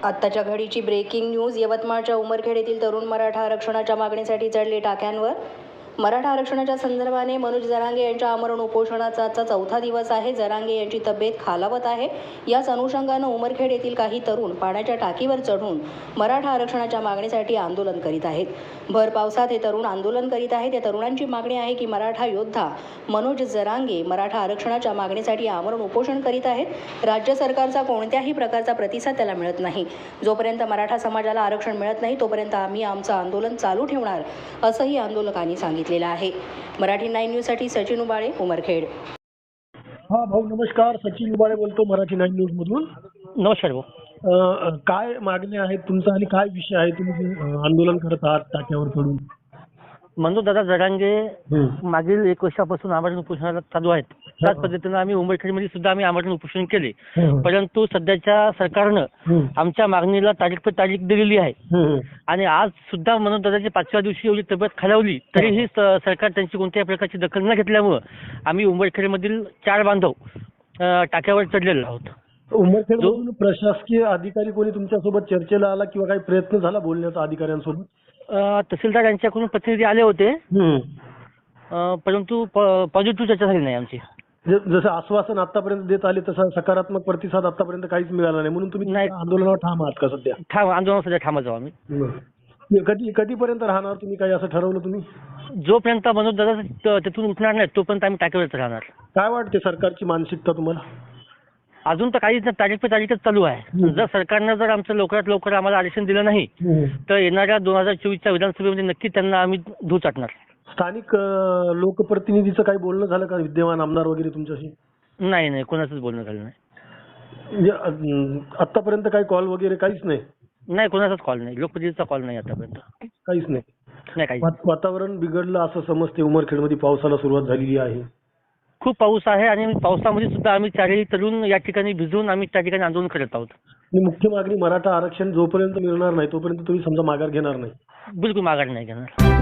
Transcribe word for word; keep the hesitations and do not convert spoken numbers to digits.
आत्ताच्या घडीची breaking news. यवतमाळच्या उमरखेड येथील तरुण मराठा आरक्षणाच्या मागणीसाठी चढले टाक्यांवर. मराठा आरक्षणाच्या संदर्भाने मनोज जरांगे यांच्या आमरण उपोषणाचा आजचा चौथा दिवस आहे. जरांगे यांची तब्येत खालावत आहे. याच अनुषंगानं उमरखेड येथील काही तरुण पाण्याच्या टाकीवर चढून मराठा आरक्षणाच्या मागणीसाठी आंदोलन करीत आहेत. भर पावसात हे तरुण आंदोलन करीत आहेत. या तरुणांची मागणी आहे की मराठा योद्धा मनोज जरांगे मराठा आरक्षणाच्या मागणीसाठी आमरण उपोषण करीत आहेत. राज्य सरकारचा कोणत्याही प्रकारचा प्रतिसाद त्याला मिळत नाही. जोपर्यंत मराठा समाजाला आरक्षण मिळत नाही तोपर्यंत आम्ही आमचं आंदोलन चालू ठेवणार असंही आंदोलकांनी सांगितलेलं आहे. मराठी नाईन न्यूज साठी सचिन उबाळे, उमरखेड. हा भाऊ नमस्कार, सचिन उबाळे बोलतो मराठी नाईन न्यूज मधून. नमस्कार भाऊ. अं, काय मागणी आहेत तुमचा आणि काय विषय आहे, तुम्ही जे, अं, आंदोलन करत आहात टाक्यावर चढून? मनोज दादा जरांगे हम्म. मागील एक वर्षापासून आमरण उपोषणाला चालू आहेत. त्याच पद्धतीनं आम्ही उमरखेडमध्ये सुद्धा आम्ही आमरण उपोषण केले. हम्म. परंतु सध्याच्या सरकारनं हम्म. आमच्या मागणीला तारीख पे तारीख दिलेली आहे. हम्म. आणि आज सुद्धा मनोज दादाची पाचव्या दिवशी एवढी तब्येत खालावली तरीही स- सरकार त्यांची कोणत्याही प्रकारची दखल न घेतल्यामुळं आम्ही उमरखेडमधील चार बांधव अं, टाक्यावर चढलेलो आहोत. उमरखेड मधून प्रशासकीय अधिकारी कोणी तुमच्यासोबत चर्चेला आला किंवा काही प्रयत्न झाला बोलण्याचा अधिकाऱ्यांसोबत? अं, तहसीलदार यांच्याकडून प्रतिनिधी आले होते. हम्म. अं, परंतु पॉझिटिव्ह चर्चा झाली नाही आमची. ज- जसं आश्वासन आतापर्यंत देत आले तसा सकारात्मक प्रतिसाद आतापर्यंत काहीच मिळाला नाही, म्हणून तुम्ही नाही. आंदोलनावर ठाम आहात का सध्या? ठाम आंदोलन सध्या ठामच आहोत आम्ही. बरं. कधी कधीपर्यंत राहणार तुम्ही, काही असं ठरवलं तुम्ही? जोपर्यंत मनोज दादा तिथून उठणार नाही तोपर्यंत आम्ही टाकीवरच राहणार. काय वाटते सरकारची मानसिकता तुम्हाला? अजून तर काहीच नाही, तारीख पे तारीखच चालू आहे. हम्म. जर सरकारनं जर आमचं लवकरात लवकर आम्हाला आरक्षण दिलं नाही तर येणाऱ्या दोन हजार चोवीसच्या विधानसभेमध्ये नक्की त्यांना आम्ही धू चाटणार. स्थानिक अं, लोकप्रतिनिधीचं काही बोलणं झालं का, विद्यमान आमदार वगैरे तुमच्याशी? नाही नाही कोणाचंच बोलणं झालं नाही. म्हणजे अं, आतापर्यंत काही कॉल वगैरे काहीच नाही? नाही कोणाचाच कॉल नाही, लोकप्रतिनिधीचा कॉल नाही आतापर्यंत. काहीच नाही. नाही काही. वात- वातावरण बिघडलं असं समजते. उमरखेडमध्ये पावसाला सुरुवात झालेली आहे. खूप पाऊस आहे आणि पावसामध्ये सुद्धा आम्ही चारही तरुण या ठिकाणी भिजून आम्ही त्या ठिकाणी आंदोलन करत आहोत. आणि मुख्य मागणी मराठा आरक्षण जोपर्यंत मिळणार नाही तोपर्यंत तुम्ही समजा माघार घेणार नाही? बिलकुल माघार नाही घेणार.